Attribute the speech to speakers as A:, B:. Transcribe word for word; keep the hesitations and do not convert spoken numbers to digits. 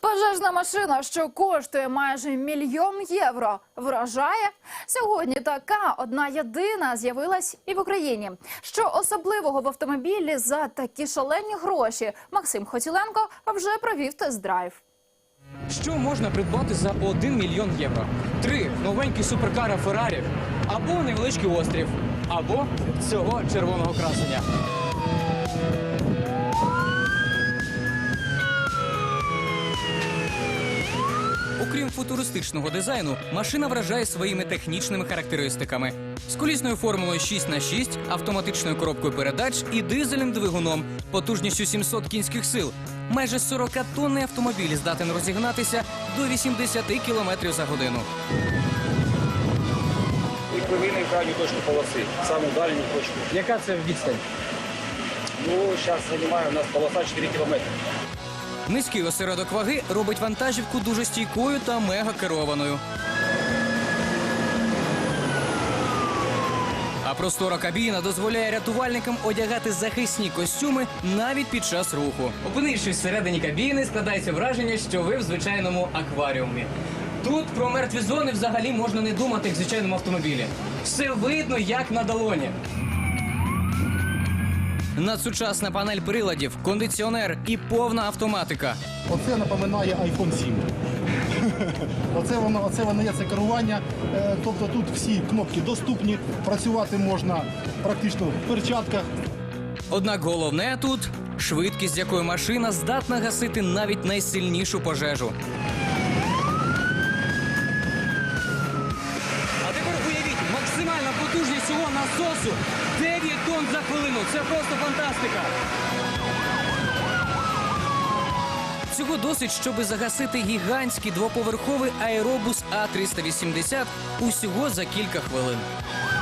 A: Пожежна машина, що коштує майже мільйон євро, вражає? Сьогодні така одна єдина з'явилась і в Україні. Що особливого в автомобілі за такі шалені гроші? Максим Хотіленко вже провів тест-драйв.
B: Що можна придбати за один мільйон євро? Три новенькі суперкара Феррарі, або невеличкий острів, або цього червоного красення. Окрім футуристичного дизайну, машина вражає своїми технічними характеристиками. З колісною формулою шість на шість, автоматичною коробкою передач і дизельним двигуном, потужністю сімсот кінських сил. Майже сорокатонний автомобіль здатен розігнатися до вісімдесят кілометрів за годину.
C: І привійний крайню точку полоси, саму дальню точку.
B: Яка це відстань?
C: Ну, зараз займає у нас полоса чотири кілометри.
B: Низький осередок ваги робить вантажівку дуже стійкою та мега-керованою. А простора кабіна дозволяє рятувальникам одягати захисні костюми навіть під час руху. Опинившись всередині кабіни, складається враження, що ви в звичайному акваріумі. Тут про мертві зони взагалі можна не думати, як в звичайному автомобілі. Все видно, як на долоні. Надсучасна панель приладів, кондиціонер і повна автоматика.
D: Оце напоминає айфон сім. Оце воно, оце воно є це керування. Е, Тобто тут всі кнопки доступні, працювати можна практично в перчатках.
B: Однак головне тут – швидкість, з якою машина здатна гасити навіть найсильнішу пожежу. А тепер уявіть, максимальна потужність цього насосу – дев'ять тонн за хвилину. Це просто фантастика. Цього досить, щоби загасити гігантський двоповерховий аеробус А триста вісімдесят усього за кілька хвилин.